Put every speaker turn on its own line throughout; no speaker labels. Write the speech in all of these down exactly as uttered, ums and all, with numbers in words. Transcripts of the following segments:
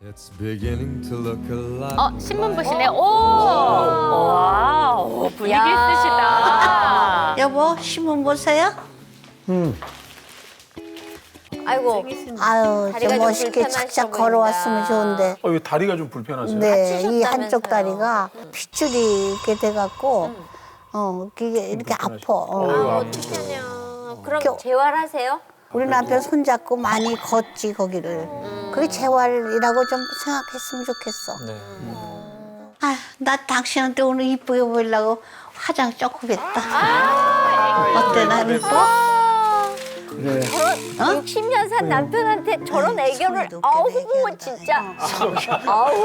It's beginning to look alike.
어, 신문 보시네. 오! 와, 오, 분위기 있으시다.
여보, 신문 보세요?
아이고,
아유,
다리가
좀
좀
멋있게
불편하셔
착착
보인다.
걸어왔으면 좋은데.
어, 이 다리가 좀 불편하세요?
네, 이 한쪽
다치셨다면서요.
다리가 핏줄이 이렇게 돼갖고, 어, 이게 이렇게 아파. 어.
아,
어떡하냐. 그럼
겨-
재활하세요?
우리 남편 손잡고 많이 걷지, 거기를. 그게 재활이라고 좀 생각했으면 좋겠어.
네.
아, 나 당신한테 오늘 이쁘게 보이려고 화장 조금 했다. 어때, 나 이뻐?
네.
저런 육십 년 산 남편한테 저런 애교를,
소리 높게
아우,
얘기하는
진짜.
거.
아우.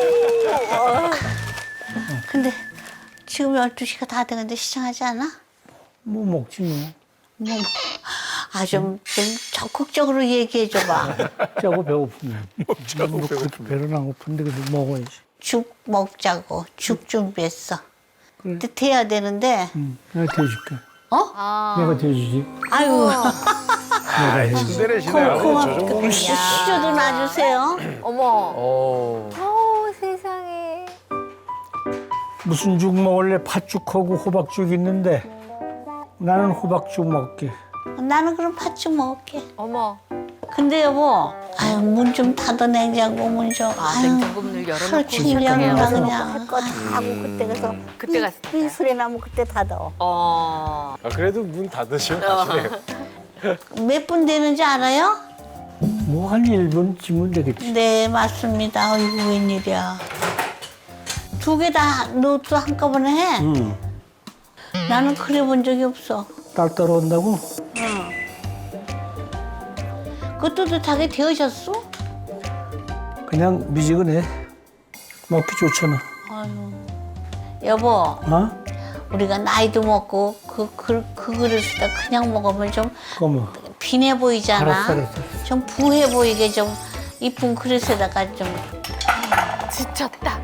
근데 지금 열두 시가 다 돼가는데 시장하지 않아?
뭐 먹지 뭐.
뭐, 아, 좀, 좀 적극적으로 얘기해줘봐.
짜고 배고프면.
짜고
뭐 그렇게
배고프면.
배는 안 고픈데 그래도 먹어야지.
죽 먹자고. 죽 준비했어. 근데 돼야 되는데,
응, 내가 대줄게.
어?
내가 대주지.
아유,
내가 해주지.
내리시네요.
고맙다. 시주도 놔주세요.
어머.
어.
어, 세상에.
무슨 죽 먹을래? 팥죽하고 호박죽 있는데 나는 호박죽 먹게.
나는 그럼 팥죽 먹을게.
어머.
근데 여보, 아유, 문 좀 닫아, 냉장고 문 좀.
아,
아유,
냉장고 문을 열어놓고
하루 종일 열어놔,
시작하네요.
그냥. 할 거 다 하고 그때 가서.
그때 갔을 때.
이 소리 나면 그때 닫아.
어.
아, 그래도 문 닫으시면 가시네요.
몇 분 되는지 알아요?
뭐 한 일 분쯤은 되겠지.
네, 맞습니다. 아이고, 웬일이야. 두 개 다 노트 한꺼번에 해?
응.
나는 그래 본 적이 없어.
딸 따라온다고?
그 뜨뜻하게 데우셨어?
그냥 미지근해. 먹기 좋잖아.
아유. 여보,
어?
우리가 나이도 먹고 그, 그, 그 그릇에다 그냥 먹으면 좀
그러면
빈해 보이잖아.
알았어, 알았어.
좀 부해 보이게 좀 이쁜 그릇에다가 좀.
지쳤다.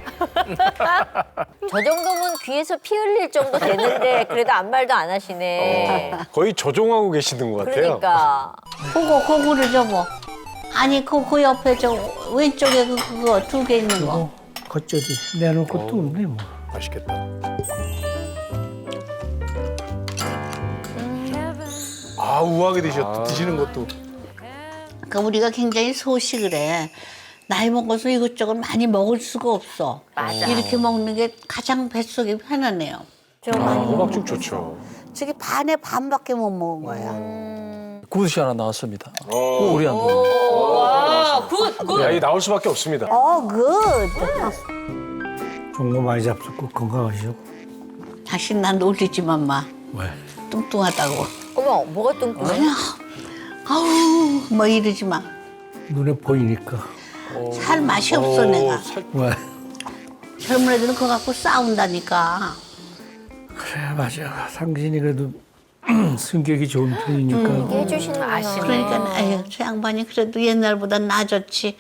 저 정도면 귀에서 피 흘릴 정도 되는데 그래도 아무 말도 안 하시네.
거의 조종하고 계시는 것 같아요.
그러니까.
그거, 그거를 여보. 아니, 그, 그 옆에 저 왼쪽에 그, 그거 두 개 있는 거.
어, 겉절이 내놓을 것도 없네 뭐.
맛있겠다. 아, 우아하게 드셨, 드시는 것도.
그러니까 우리가 굉장히 소식을 해. 나이 먹어서 이것저것 많이 먹을 수가 없어.
맞아.
이렇게 먹는 게 가장 뱃속이 편하네요. 좀
아,
많이
호박죽 좋죠.
저기 반에 반밖에 못 먹은 거야.
굿이 하나 나왔습니다.
어.
우리 안 돼.
와, 굿, 굿.
야, 이 나올 수밖에 없습니다.
어, 굿.
좋은 거 많이 잡수고 건강하시고.
다시 난 놀리지만 마.
왜?
뚱뚱하다고.
어머, 뭐가 뚱뚱해?
그냥 아우 뭐 이러지 마.
눈에 보이니까.
살 맛이 없어 내가.
살...
왜?
젊은 애들은 그거 갖고 싸운다니까.
그래 맞아. 상진이 그래도 성격이 좋은 편이니까.
해주시는구나.
아시네.
그러니까 아유 저 양반이 그래도 옛날보다 나아졌지.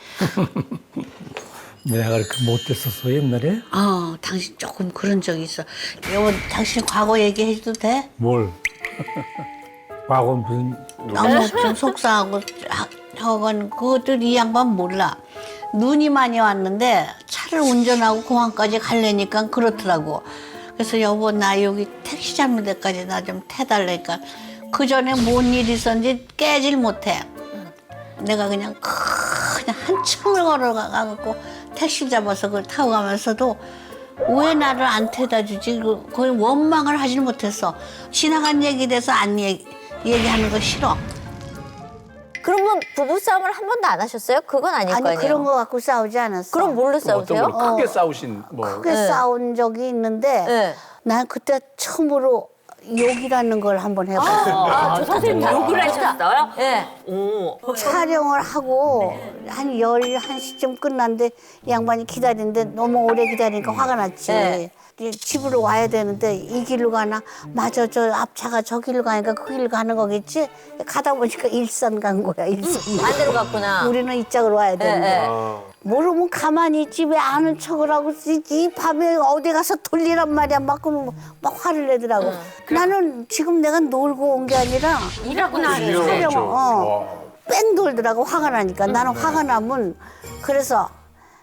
내가 그렇게 못됐었어 옛날에?
어 당신 조금 그런 적이 있어. 여보 당신 과거 얘기해도 돼?
뭘? 과거 무슨
너무 좀 속상하고 저건 그것들 이 양반 몰라. 눈이 많이 왔는데 차를 운전하고 공항까지 가려니까 그렇더라고. 그래서 여보 나 여기 택시 잡는 데까지 나 좀 태달라니까 그 전에 뭔 일이 있었는지 깨질 못해. 내가 그냥 그냥 한참을 걸어가고 택시 잡아서 그걸 타고 가면서도 왜 나를 안 태다 주지? 그- 거의 원망을 하질 못했어. 지나간 얘기 돼서 안 얘기, 얘기하는 거 싫어.
그러면 부부싸움을 한 번도 안 하셨어요? 그건 아닐
아니
거 아니에요?
그런 거 갖고 싸우지 않았어.
그럼 뭘로
어떤
싸우세요?
걸 크게 싸우신 뭐.
크게
네.
싸운 적이 있는데
네.
난 그때 처음으로 욕이라는 걸 한번 해봤어.
아, 저 선생님 욕을 하셨어요?
네.
오.
촬영을 하고 한 열한 시쯤 끝났는데 이 양반이 기다리는데 너무 오래 기다리니까 화가 났지.
네.
이제 집으로 와야 되는데 이 길로 가나? 맞아, 저 앞차가 저 길로 가니까 그 길로 가는 거겠지? 가다 보니까 일산 간 거야, 일산.
반대로 갔구나.
우리는 이쪽으로 와야 되는데.
네.
아,
모르면 가만히 있지 왜 아는 척을 하고 이, 이 밤에 어디 가서 돌리란 말이야 막 그러면 막 화를 내더라고. 나는 지금 내가 놀고 온 게 아니라
일하고 나서.
이런
촬영,
거죠.
어.
와.
뺑 돌더라고 화가 나니까 나는 화가 나면 그래서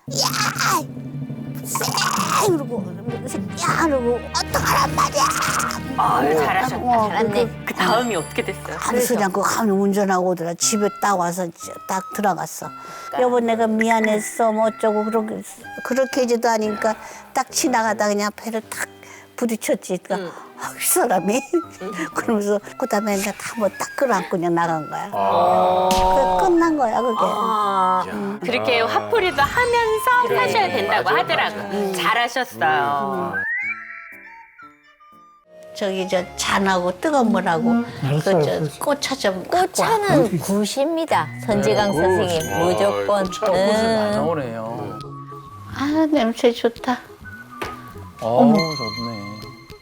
야, 쎄 그러고 야 그러고 어떡하란 말이야.
아유, 잘하셨다.
어,
잘했네. 그 다음이 어떻게 됐어요?
아무 소리 않고 가면 운전하고 오더라. 집에 딱 와서 딱 들어갔어. 여보 내가 미안했어 뭐 어쩌고 그렇게 그렇게 하지도 않으니까 딱 지나가다 그냥 배를 탁 부딪혔지. 그러니까 아, 이 사람이 그러면서 그다음에 이제 다뭐딱 끌어안고 그냥 나간 거야. 그 끝난 거야 그게.
아, 그렇게 화풀이도 하면서 사셔야 된다고 하더라고요. 잘하셨어요.
저기 저 잔하고 뜨거운 물하고
알았어,
그저
알았어.
꽃차 좀 갖고 와.
꽃차는 굿입니다. 선지강 선생님 무조건. 응.
나오네요.
아 냄새 좋다.
어, 좋네.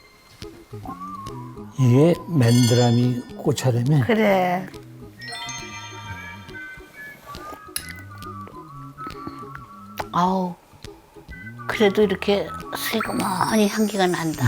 이게 맨드라미 꽃차라며.
그래. 아우 그래도 이렇게 슬그머니 향기가 난다.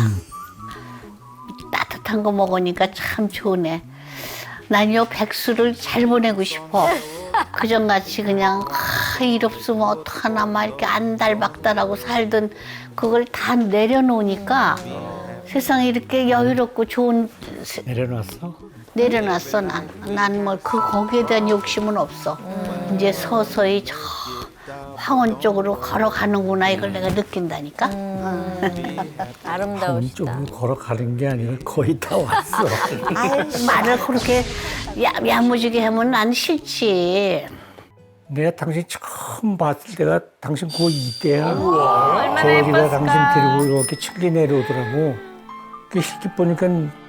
따뜻한 거 먹으니까 참 좋네. 난 요 백수를 잘 보내고 싶어. 그전같이 그냥 아, 일 없으면 어떡하나 막 이렇게 안달박달하고 살던 그걸 다 내려놓으니까 세상에 이렇게 여유롭고 좋은 세-
내려놨어?
내려놨어 난. 난 뭐 그 거기에 대한 욕심은 없어. 이제 서서히 저 황원 쪽으로 걸어가는구나 이걸 내가 느낀다니까.
아름다우시다.
이쪽으로 걸어가는 게 아니라 거의 다 왔어.
아이, 말을 그렇게 야, 야무지게 하면 난 싫지.
내가 당신 처음 봤을 때가 당신 고이 때야.
얼마나
거기다 당신
예뻤을까.
데리고 이렇게 층리 내려오더라고. 그 실제 보니까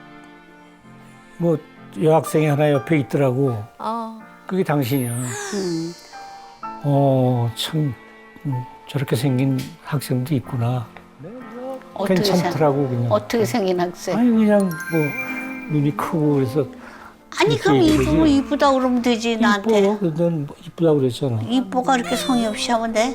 뭐 여학생이 하나 옆에 있더라고.
어.
그게 당신이야. 어, 참 음, 저렇게 생긴 학생도 있구나.
어떻게 생,
괜찮더라고 그냥.
어떻게 생긴 학생?
아니 그냥 뭐 눈이 크고 그래서
아니 그럼
이렇게
이쁘면
그러지.
이쁘다 그러면 되지 나한테.
이뻐. 넌 이쁘다고 그랬잖아.
이뻐가 그렇게 성의 없이 하면 돼?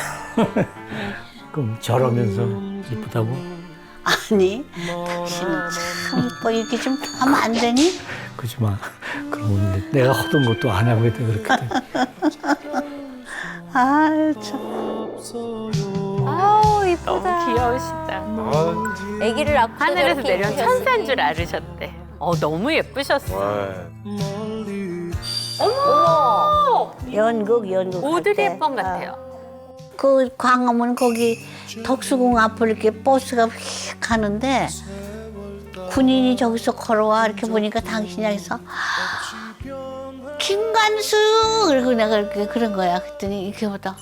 그럼 저러면서 이쁘다고?
아니 당신은 참 이뻐. 이렇게 좀 하면 안 되니?
그러지 마. 그러면 내가 하던 것도 안 하고 있다 그렇게 돼.
아 참.
아우 이쁘다.
너무 귀여우시다.
아기를 낳고
하늘에서
저렇게
내려온
입으셨으니.
천사인 줄 알으셨대. 어, 너무 예쁘셨어. 어머!
연극 연극.
오드리
할 때.
헵번 같아요.
그 광화문 거기 덕수궁 앞을 이렇게 버스가 휙 가는데 군인이 저기서 걸어와 이렇게 보니까 당신이 여기서 김관수 그리고 내가 이렇게 그런 거야. 그랬더니 이렇게 보다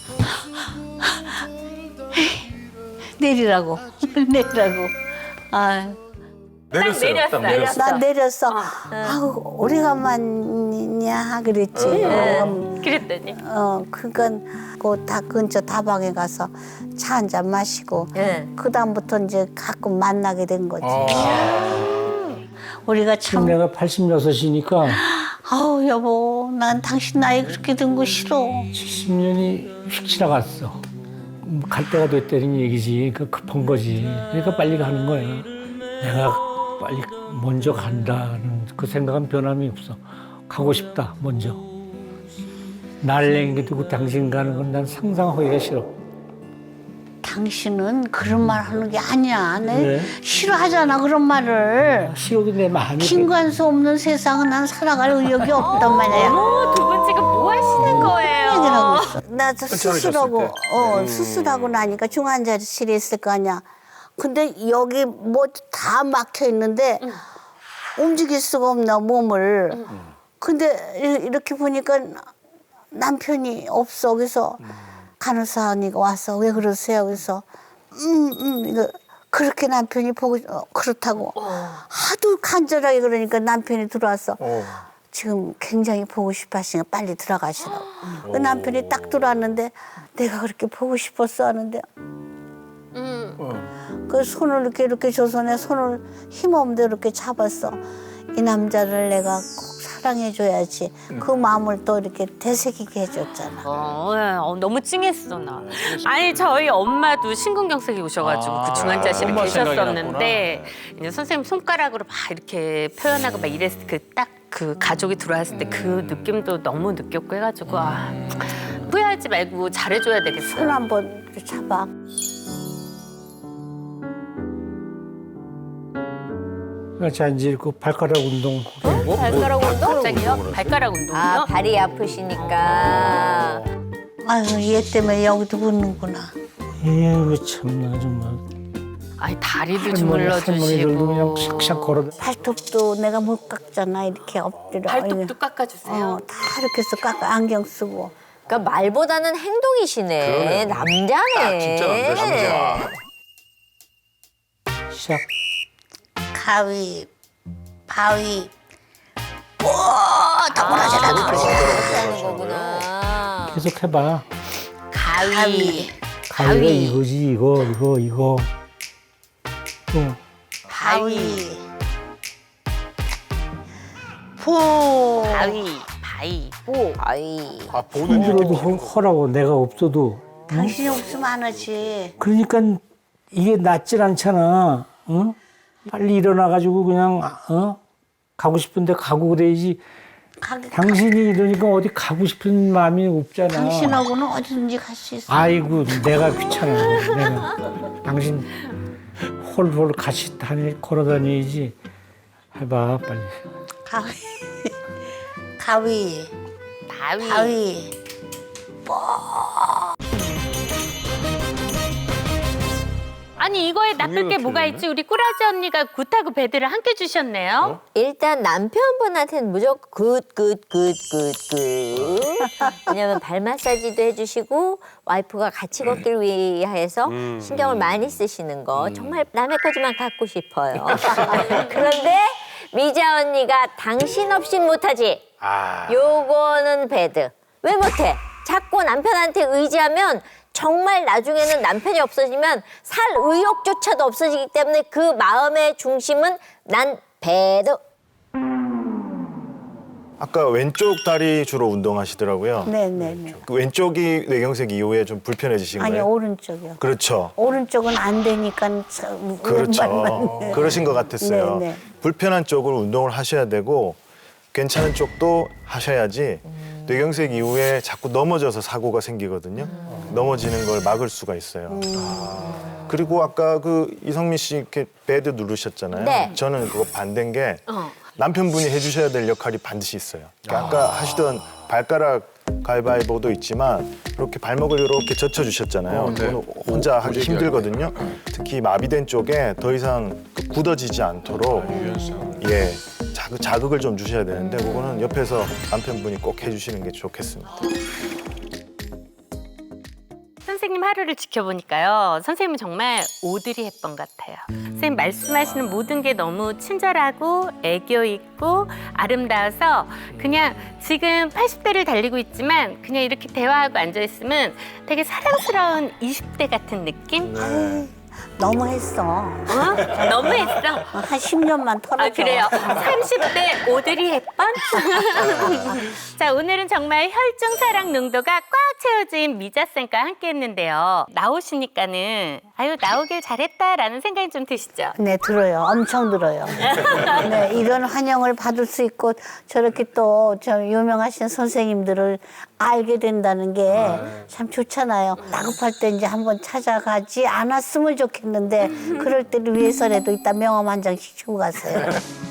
내리라고 내리라고. 아,
내렸어요.
내렸어요.
딱 내렸어요.
나 내렸어. 아우 오래간만이냐 그랬지. 음,
그랬더니.
어, 그건 그다 근처 다방에 가서 차 한 잔 마시고
예.
그 다음부터 이제 가끔 만나게 된 거지. 우리가
지금
참,
내가 팔십육이니까
아우 여보, 난 당신 나이 그렇게 든 거 싫어.
칠십 년이 휙 지나갔어. 음, 갈 때가 됐다는 얘기지. 그 급한 거지. 그러니까 빨리 가는 거야. 내가 빨리 먼저 간다는 그 생각은 변함이 없어. 가고 싶다, 먼저. 날 남겨두고 당신 가는 건 난 상상하기가 싫어.
당신은 그런 말 하는 게 아니야. 내
왜?
싫어하잖아 그런 말을.
싫어도 내 마음이
김관수 없는 세상은 난 살아갈 의욕이 없단 말이야.
어, 두 분 지금 뭐 하시는 거예요?
얘기를 하고 있어. 나 저 수술하고,
때.
어, 수술하고 나니까 중환자실에 있을 거 아니야. 근데 여기 뭐 다 막혀 있는데 움직일 수가 없나, 몸을. 근데 이- 이렇게 보니까 남편이 없어. 그래서 간호사님이 와서 왜 그러세요? 그래서 음, 음, 이거 그렇게 남편이 보고 어, 그렇다고 하도 간절하게 그러니까 남편이 들어와서
어.
지금 굉장히 보고 싶어 하시니까 빨리 들어가시라고. 그 남편이 딱 들어왔는데 내가 그렇게 보고 싶었어 하는데 그 손을 이렇게 이렇게 줘서 내 손을 힘없는데 이렇게 잡았어. 이 남자를 내가 꼭 사랑해줘야지. 그 마음을 또 이렇게 되새기게 해줬잖아.
어, 예, 어, 너무 찡했어 나. 아니 저희 엄마도 심근경색이 오셔가지고
아,
그 중환자실에
엄마 생각이
계셨었는데 이제 선생님 손가락으로 막 이렇게 표현하고 막 이랬을 그 딱 그 가족이 들어왔을 때 그 느낌도 너무 느꼈고 해가지고 아, 후회할 하지 말고 잘해줘야 되겠어요.
손 한번 잡아.
자 이제 그 발가락 운동.
발가락 운동?
갑자기요? 발가락 운동이요?
아, 발이 아프시니까.
아유, 얘 때문에 여기도 붓는구나.
에휴 참나 정말.
아니 다리도
할머니, 할머니들도 그냥
주물러주시고
샥샥 걸어.
발톱도 내가 못 깎잖아. 이렇게 엎드려.
발톱도 깎아주세요.
어, 다 이렇게 해서 깎아. 안경 쓰고.
그러니까 말보다는 행동이시네. 남자네.
진짜 남자, 남자.
시작.
가위, 바위. 오, 다 부러져라,
하는 거구나.
계속 해봐.
가위,
가위가 이거지 이거 이거 이거. 또
바위, 포,
바위, 바위, 보.
아이.
아 보는
힘들어도 허- 허라고 내가 없어도.
당신이 없으면 안 하지.
그러니까 이게 낫질 않잖아. 어? 빨리 일어나가지고 그냥 어? 가고 싶은데 가고 그래야지.
가기,
당신이 이러니까 어디 가고 싶은 마음이 없잖아.
당신하고는 어디든지 갈 수 있어.
아이고 내가 귀찮아. 내가 당신 홀홀 같이 다니 걸어 다니지. 해봐 빨리.
가위, 가위,
바위.
바위.
아니 이거에 나쁠 게 뭐가 있지? 우리 꾸라지 언니가 굿하고 배드를 함께 주셨네요.
일단 남편분한테는 무조건 굿, 굿, 굿, 굿, 굿. 왜냐면 발 마사지도 해주시고 와이프가 같이 걷길 위해서 신경을 많이 쓰시는 거 정말 남의 거지만 갖고 싶어요. 그런데 미자 언니가 당신 없인 못하지.
아.
요거는 배드. 왜 못해? 자꾸 남편한테 의지하면 정말 나중에는 남편이 없어지면 살 의욕조차도 없어지기 때문에 그 마음의 중심은 난 배드.
아까 왼쪽 다리 주로 운동하시더라고요.
네네네.
그 왼쪽이 뇌경색 이후에 좀 불편해지신
아니
거예요?
오른쪽이요.
그렇죠.
오른쪽은 안 되니까 참
그렇죠.
오른발만.
그러신 것 같았어요.
네, 네.
불편한 쪽을 운동을 하셔야 되고 괜찮은 쪽도 하셔야지 뇌경색 이후에 자꾸 넘어져서 사고가 생기거든요. 넘어지는 걸 막을 수가 있어요. 아. 그리고 아까 그 이성민 씨 이렇게 베드 누르셨잖아요.
네.
저는 그거 반대인 게
어.
남편분이 해주셔야 될 역할이 반드시 있어요. 그러니까 아까 하시던 발가락 가위바위보도 있지만 이렇게 발목을 이렇게 젖혀주셨잖아요.
어, 네.
그거는 혼자 하기
무지개하게.
힘들거든요. 특히 마비된 쪽에 더 이상 그 굳어지지 않도록 예 자극, 자극을 좀 주셔야 되는데 그거는 옆에서 남편분이 꼭 해주시는 게 좋겠습니다.
선생님 하루를 지켜보니까요. 선생님은 정말 오드리 헵번 같아요. 선생님 말씀하시는 모든 게 너무 친절하고 애교 있고 아름다워서 그냥 지금 팔십 대를 달리고 있지만 그냥 이렇게 대화하고 앉아있으면 되게 사랑스러운 이십 대 같은 느낌?
너무 했어.
어? 너무했어.
한 십 년만 털어줘.
아 그래요? 삼십 대 오드리 헵번? 자 오늘은 정말 혈중 사랑 농도가 꽉 채워진 미자쌤과 함께 했는데요. 나오시니까는 아유 나오길 잘했다라는 생각이 좀 드시죠?
네, 들어요. 엄청 들어요. 네, 이런 환영을 받을 수 있고 저렇게 또 저 유명하신 선생님들을 알게 된다는 게 참 좋잖아요. 다급할 때 이제 한번 찾아가지 않았으면 좋겠는데 그럴 때를 위해서라도 이따 명함 한 장씩 주고 가세요.